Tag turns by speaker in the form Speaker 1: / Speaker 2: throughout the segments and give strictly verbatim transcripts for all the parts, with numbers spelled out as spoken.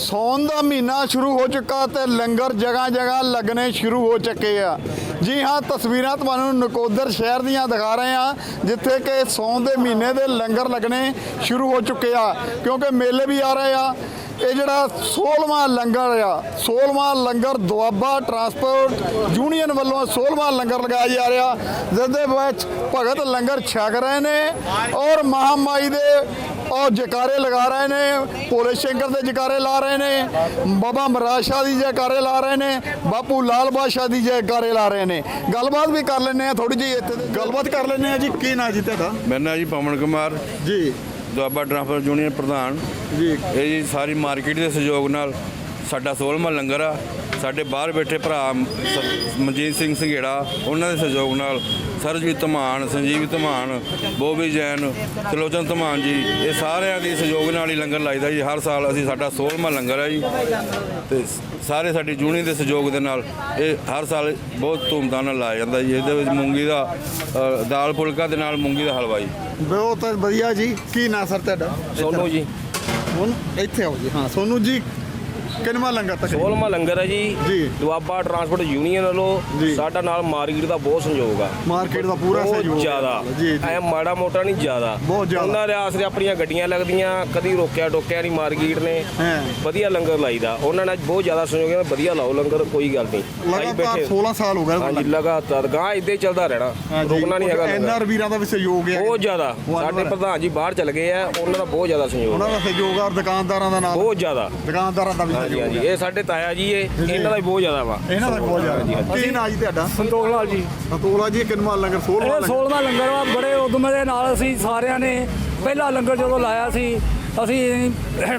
Speaker 1: ਸੌਣ ਦਾ ਮਹੀਨਾ ਸ਼ੁਰੂ ਹੋ ਚੁੱਕਾ ਤੇ ਲੰਗਰ ਜਗ੍ਹਾ ਜਗ੍ਹਾ ਲੱਗਣੇ ਸ਼ੁਰੂ ਹੋ ਚੁੱਕੇ ਆ। ਜੀ ਹਾਂ, ਤਸਵੀਰਾਂ ਤੁਹਾਨੂੰ ਨਕੋਦਰ ਸ਼ਹਿਰ ਦੀਆਂ ਦਿਖਾ ਰਹੇ ਆ ਜਿੱਥੇ ਕਿ ਸੌਣ ਦੇ ਮਹੀਨੇ ਦੇ ਲੰਗਰ ਲੱਗਣੇ ਸ਼ੁਰੂ ਹੋ ਚੁੱਕੇ ਆ, ਕਿਉਂਕਿ ਮੇਲੇ ਵੀ ਆ ਰਹੇ ਆ। ਇਹ ਜਿਹੜਾ ਸੋਲ੍ਹਵਾਂ ਲੰਗਰ ਆ, ਸੋਲ੍ਹਵਾਂ ਲੰਗਰ ਦੁਆਬਾ ਟਰਾਂਸਪੋਰਟ ਯੂਨੀਅਨ ਵੱਲੋਂ ਸੋਲ੍ਹਵਾਂ ਲੰਗਰ ਲਗਾਇਆ ਜਾ ਰਿਹਾ, ਜਿਸ ਦੇ ਵਿੱਚ ਭਗਤ ਲੰਗਰ ਛਕ ਰਹੇ ਨੇ ਔਰ ਮਹਾਮਾਈ ਦੇ और जयकारे लगा रहे ने, भोले शंकर के जयकारे ला रहे ने, बाबा महाराज शाह की जयकारे ला रहे ने, बापू लाल बादशाह की जयकारे ला रहे ने। गलबात भी कर लेने थोड़ी जी, इत्थे गलबात कर लेने जी। की ना जी तुहाडा?
Speaker 2: मेरा नाम जी पवन कुमार
Speaker 1: जी,
Speaker 2: दुआबा ट्रांसपोर्ट यूनियन प्रधान
Speaker 1: जी।
Speaker 2: ये जी सारी मार्केट के सहयोग नाल साडा सोलहवां लंगर आ। ਸਾਡੇ ਬਾਹਰ ਬੈਠੇ ਭਰਾ ਮਨਜੀਤ ਸਿੰਘ ਸੰਘੇੜਾ, ਉਹਨਾਂ ਦੇ ਸਹਿਯੋਗ ਨਾਲ ਸਰਜੀਤ ਧਮਾਨ, ਸੰਜੀਵ ਧਮਾਨ, ਬੋਬੀ ਜੈਨ, ਤਲੋਚਨ ਧਮਾਨ ਜੀ, ਇਹ ਸਾਰਿਆਂ ਦੇ ਸਹਿਯੋਗ ਨਾਲ ਹੀ ਲੰਗਰ ਲਾਈਦਾ ਜੀ। ਹਰ ਸਾਲ ਅਸੀਂ ਸਾਡਾ ਸੋਲ੍ਹਵਾਂ ਲੰਗਰ ਹੈ ਜੀ ਤੇ ਸਾਰੇ ਸਾਡੀ ਯੂਨੀਅਨ ਦੇ ਸਹਿਯੋਗ ਦੇ ਨਾਲ ਇਹ ਹਰ ਸਾਲ ਬਹੁਤ ਧੂਮਧਾਮ ਨਾਲ ਲਾਇਆ ਜਾਂਦਾ ਜੀ। ਇਹਦੇ ਵਿੱਚ ਮੂੰਗੀ ਦਾ ਦਾਲ ਫੁਲਕਾ ਦੇ ਨਾਲ ਮੂੰਗੀ ਦਾ ਹਲਵਾ ਜੀ।
Speaker 1: ਬਹੁਤ ਵਧੀਆ ਜੀ। ਕੀ ਨਾਂ ਸਰ ਤੁਹਾਡਾ?
Speaker 3: ਸੋਨੂ ਜੀ।
Speaker 1: ਹੁਣ ਇੱਥੇ ਆਓ ਜੀ। ਹਾਂ ਸੋਨੂ ਜੀ, ਕਿੰਨਵਾਂ ਲੰਗਰ ਤੱਕ?
Speaker 3: ਸੋਲ੍ਹਵਾਂ ਲੰਗਰ ਹੈ ਜੀ।
Speaker 1: ਜੀ।
Speaker 3: ਦੁਆਬਾ ਟਰਾਂਸਪੋਰਟ ਯੂਨੀਅਨ ਵੱਲੋਂ ਸਾਡਾ ਨਾਲ ਮਾਰਕੀਟ ਦਾ ਬਹੁਤ ਸਹਿਯੋਗ ਆ।
Speaker 1: ਮਾਰਕੀਟ ਦਾ ਪੂਰਾ ਸਹਿਯੋਗ
Speaker 3: ਬਹੁਤ ਜ਼ਿਆਦਾ,
Speaker 1: ਜੀ
Speaker 3: ਐ ਮਾੜਾ ਮੋਟਾ ਨਹੀਂ ਜ਼ਿਆਦਾ,
Speaker 1: ਬਹੁਤ ਜ਼ਿਆਦਾ।
Speaker 3: ਉਹਨਾਂ ਦੇ ਆਸਰੇ ਆਪਣੀਆਂ ਗੱਡੀਆਂ ਲੱਗਦੀਆਂ, ਕਦੀ ਰੋਕਿਆ ਟੋਕਿਆ ਨਹੀਂ ਮਾਰਕੀਟ ਨੇ।
Speaker 1: ਹਾਂ,
Speaker 3: ਵਧੀਆ ਲੰਗਰ ਲਾਈਦਾ, ਉਹਨਾਂ ਨਾਲ ਬਹੁਤ ਜ਼ਿਆਦਾ ਸਹਿਯੋਗ ਹੈ। ਵਧੀਆ ਲਾਓ ਲੰਗਰ, ਕੋਈ ਗੱਲ ਨਹੀਂ।
Speaker 1: ਲਗਾਤਾਰ ਸੋਲ੍ਹਾਂ ਸਾਲ ਹੋ ਗਏ।
Speaker 3: ਹਾਂਜੀ, ਲਗਾਤਾਰ ਗਾਂ ਇੱਦਾਂ ਹੀ ਚੱਲਦਾ ਰਹਿਣਾ, ਰੁਕਣਾ ਨਹੀਂ ਹੈਗਾ।
Speaker 1: ਐਨਆਰ ਵੀਰਾਂ ਦਾ ਵੀ ਸਹਿਯੋਗ ਹੈ
Speaker 3: ਬਹੁਤ ਜ਼ਿਆਦਾ। ਸਾਡੇ ਪ੍ਰਧਾਨ ਜੀ ਬਾਹਰ ਚਲੇ ਗਏ ਆ, ਉਹਨਾਂ ਦਾ ਬਹੁਤ ਜ਼ਿਆਦਾ ਸਹਿਯੋਗ,
Speaker 1: ਉਹਨਾਂ ਦਾ ਸਹਿਯੋਗ ਆ। ਦੁਕਾਨਦਾਰਾਂ ਦਾ ਨਾਲ
Speaker 3: ਬਹੁਤ ਜ਼ਿਆਦਾ,
Speaker 1: ਦੁਕਾਨਦਾਰਾਂ ਦਾ ਵੀ
Speaker 3: ਹਾਂਜੀ ਹਾਂਜੀ। ਇਹ ਸਾਡੇ ਤਾਇਆ ਜੀ, ਇਹ ਇਹਨਾਂ ਦਾ ਵੀ ਬਹੁਤ ਜ਼ਿਆਦਾ ਵਾ।
Speaker 1: ਇਹਨਾਂ ਦਾ ਬਹੁਤ ਜ਼ਿਆਦਾ। ਕੀ ਨਾਂ ਜੀ ਤੁਹਾਡਾ?
Speaker 4: ਸੰਤੋਖ ਲਾਲ ਜੀ।
Speaker 1: ਸੰਤੋਖ ਜੀ, ਕਿੰਨਵਾਂ ਲੰਗਰ? ਸੋਲ੍ਹਵਾਂ
Speaker 4: ਇਹ ਸੋਲ੍ਹਵਾਂ ਲੰਗਰ ਵਾ। ਬੜੇ ਉਦਮ ਦੇ ਨਾਲ ਅਸੀਂ ਸਾਰਿਆਂ ਨੇ ਪਹਿਲਾ ਲੰਗਰ ਜਦੋਂ ਲਾਇਆ ਸੀ, ਅਸੀਂ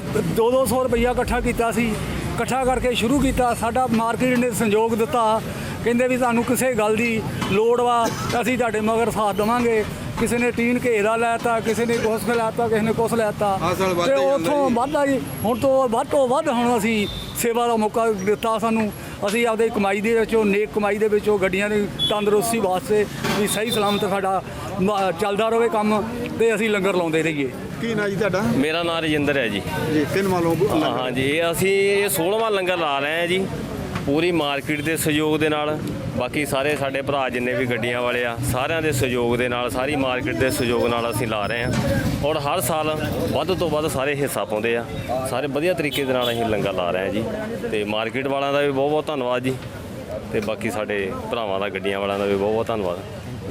Speaker 4: ਦੋ ਦੋ ਸੌ ਰੁਪਈਆ ਇਕੱਠਾ ਕੀਤਾ ਸੀ। ਇਕੱਠਾ ਕਰਕੇ ਸ਼ੁਰੂ ਕੀਤਾ। ਸਾਡਾ ਮਾਰਕੀਟ ਨੇ ਸੰਯੋਗ ਦਿੱਤਾ, ਕਹਿੰਦੇ ਵੀ ਤੁਹਾਨੂੰ ਕਿਸੇ ਗੱਲ ਦੀ ਲੋੜ ਵਾ, ਅਸੀਂ ਤੁਹਾਡੇ ਮਗਰ ਸਾਥ ਦੇਵਾਂਗੇ। ਕਿਸੇ ਨੇ ਟੀਨ ਘੇਰਾ ਲੈਤਾ, ਕਿਸੇ ਨੇ ਕੁਛ ਲੈਤਾ, ਕਿਸੇ ਨੇ ਕੁਛ ਲੈਤਾ, ਤੇ ਉੱਥੋਂ ਵੱਧਦਾ ਜੀ। ਹੁਣ ਤੋਂ ਵੱਧ ਤੋਂ ਵੱਧ ਹੁਣ ਅਸੀਂ ਸੇਵਾ ਦਾ ਮੌਕਾ ਦਿੱਤਾ ਸਾਨੂੰ। ਅਸੀਂ ਆਪਦੇ ਕਮਾਈ ਦੇ ਵਿੱਚੋਂ, ਨੇਕ ਕਮਾਈ ਦੇ ਵਿੱਚੋਂ, ਗੱਡੀਆਂ ਦੀ ਤੰਦਰੁਸਤੀ ਵਾਸਤੇ ਵੀ ਸਹੀ ਸਲਾਮਤ ਸਾਡਾ ਚੱਲਦਾ ਰਹੇ ਕੰਮ, ਤੇ ਅਸੀਂ ਲੰਗਰ ਲਾਉਂਦੇ ਰਹੀਏ।
Speaker 1: ਕੀ ਨਾਂ ਜੀ ਤੁਹਾਡਾ?
Speaker 3: ਮੇਰਾ ਨਾਮ ਰਜਿੰਦਰ ਹੈ ਜੀ।
Speaker 1: ਜੀ, ਕਿੰਨਵਾਂ ਲੰਗਰ?
Speaker 3: ਹਾਂ ਜੀ, ਇਹ ਅਸੀਂ ਇਹ ਸੋਲ੍ਹਵਾਂ ਲੰਗਰ ਲਾ ਰਹੇ ਹਾਂ ਜੀ, ਪੂਰੀ ਮਾਰਕੀਟ ਦੇ ਸਹਿਯੋਗ ਦੇ ਨਾਲ। ਬਾਕੀ ਸਾਰੇ ਸਾਡੇ ਭਰਾ ਜਿੰਨੇ ਵੀ ਗੱਡੀਆਂ ਵਾਲੇ ਆ, ਸਾਰਿਆਂ ਦੇ ਸਹਿਯੋਗ ਦੇ ਨਾਲ, ਸਾਰੀ ਮਾਰਕੀਟ ਦੇ ਸਹਿਯੋਗ ਨਾਲ ਅਸੀਂ ਲਾ ਰਹੇ ਹਾਂ। ਔਰ ਹਰ ਸਾਲ ਵੱਧ ਤੋਂ ਵੱਧ ਸਾਰੇ ਹਿੱਸਾ ਪਾਉਂਦੇ ਆ। ਸਾਰੇ ਵਧੀਆ ਤਰੀਕੇ ਦੇ ਨਾਲ ਅਸੀਂ ਲੰਗਰ ਲਾ ਰਹੇ ਹਾਂ ਜੀ। ਤੇ ਮਾਰਕੀਟ ਵਾਲਿਆਂ ਦਾ ਵੀ ਬਹੁਤ ਬਹੁਤ ਧੰਨਵਾਦ ਜੀ, ਤੇ ਬਾਕੀ ਸਾਡੇ ਭਰਾਵਾਂ ਦਾ, ਗੱਡੀਆਂ ਵਾਲਿਆਂ ਦਾ ਵੀ ਬਹੁਤ ਬਹੁਤ ਧੰਨਵਾਦ।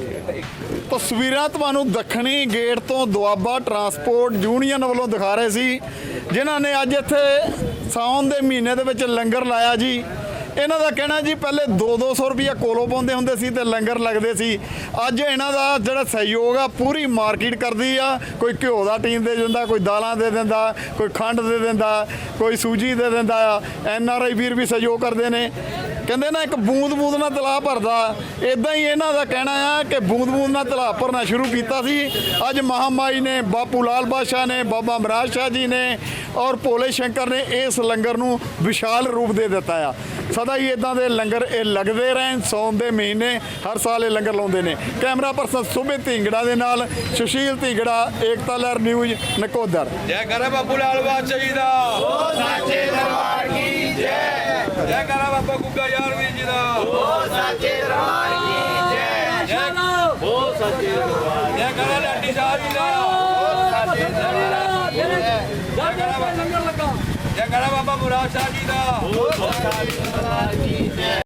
Speaker 1: ਤਸਵੀਰਾਂ ਤੁਹਾਨੂੰ ਦੱਖਣੀ ਗੇਟ ਤੋਂ ਦੁਆਬਾ ਟਰਾਂਸਪੋਰਟ ਯੂਨੀਅਨ ਵੱਲੋਂ ਦਿਖਾ ਰਹੇ ਸੀ, ਜਿਨ੍ਹਾਂ ਨੇ ਅੱਜ ਇੱਥੇ ਸਾਉਣ ਦੇ ਮਹੀਨੇ ਦੇ ਵਿੱਚ ਲੰਗਰ ਲਾਇਆ ਜੀ। ਇਹਨਾਂ ਦਾ ਕਹਿਣਾ ਜੀ, ਪਹਿਲੇ ਦੋ ਦੋ ਸੌ ਰੁਪਈਆ ਕੋਲੋਂ ਪਾਉਂਦੇ ਹੁੰਦੇ ਸੀ ਤੇ ਲੰਗਰ ਲੱਗਦੇ ਸੀ। ਅੱਜ ਇਹਨਾਂ ਦਾ ਜਿਹੜਾ ਸਹਿਯੋਗ ਆ, ਪੂਰੀ ਮਾਰਕੀਟ ਕਰਦੀ ਆ। ਕੋਈ ਘਿਓ ਦਾ ਟੀਨ ਦੇ ਦਿੰਦਾ, ਕੋਈ ਦਾਲਾਂ ਦੇ ਦਿੰਦਾ, ਕੋਈ ਖੰਡ ਦੇ ਦਿੰਦਾ, ਕੋਈ ਸੂਜੀ ਦੇ ਦਿੰਦਾ ਆ। ਐਨ ਆਰ ਆਈ ਵੀਰ ਵੀ ਸਹਿਯੋਗ ਕਰਦੇ ਨੇ। ਕਹਿੰਦੇ ਨਾ, ਇੱਕ ਬੂੰਦ ਬੂੰਦ ਨਾਲ ਤਲਾਬ ਭਰਦਾ, ਇੱਦਾਂ ਹੀ ਇਹਨਾਂ ਦਾ ਕਹਿਣਾ ਆ ਕਿ ਬੂੰਦ ਬੂੰਦ ਨਾਲ ਤਲਾਬ ਭਰਨਾ ਸ਼ੁਰੂ ਕੀਤਾ ਸੀ। ਅੱਜ ਮਹਾਮਾਈ ਨੇ, ਬਾਪੂ ਲਾਲ ਬਾਦਸ਼ਾਹ ਨੇ, ਬਾਬਾ ਮਹਾਰਾਜ ਸ਼ਾਹ ਜੀ ਨੇ ਔਰ ਭੋਲੇ ਸ਼ੰਕਰ ਨੇ ਇਸ ਲੰਗਰ ਨੂੰ ਵਿਸ਼ਾਲ ਰੂਪ ਦੇ ਦਿੱਤਾ ਆ। ਸਦਾ ਹੀ ਇਦਾਂ ਦੇ ਲੰਗਰ ਇਹ ਲੱਗਦੇ ਰਹਿਣ। ਸੌਣ ਦੇ ਮਹੀਨੇ ਹਰ ਸਾਲ ਇਹ ਲੰਗਰ ਲਾਉਂਦੇ ਨੇ। ਕੈਮਰਾ ਪਰਸਨ ਸੁਮਿਤ ਢਿੰਗੜਾ ਦੇ ਨਾਲ ਸੁਸ਼ੀਲ ਢਿੰਗੜਾ, ਏਕਤਾ ਲਹਿਰ ਨਿਊਜ਼, ਨਕੋਦਰ।
Speaker 2: ਜੈ ਕਰੇ ਬਾਪੂ ਲਾਲ ਬਾਦਸ਼ਾਹ ਜੀ ਦਾ, ਓ ਸਾਚੇ ਦਰਬਾਰ ਕੀ ਜੈ। ਜੈ ਕਰੇ ਬਾਬਾ ਗੁੱਗਾ ਯਾਰ ਵੀਰ ਜੀ ਦਾ, ਓ ਸਾਚੇ ਦਰਬਾਰ ਕੀ ਜੈ। ਜੈ ਓ ਸਾਚੇ ਦਰਬਾਰ। ਜੈ ਕਰੇ ਲਾਡੀ ਸਾਹਿਬ ਜੀ ਦਾ, ਓ ਸਾਚੇ ਦਰਬਾਰ ਕੀ ਜੈ। ਜੈ ਕਰੇ ਲੰਗਰ ਲੱਗਾ। ਜੈ ਕਰੇ ਬਾਬਾ ਮੁਰਾਦ ਸ਼ਾਹ ਜੀ ਦਾ, ਓ ਸਾਚੇ ਦਰਬਾਰ ਕੀ ਜੈ।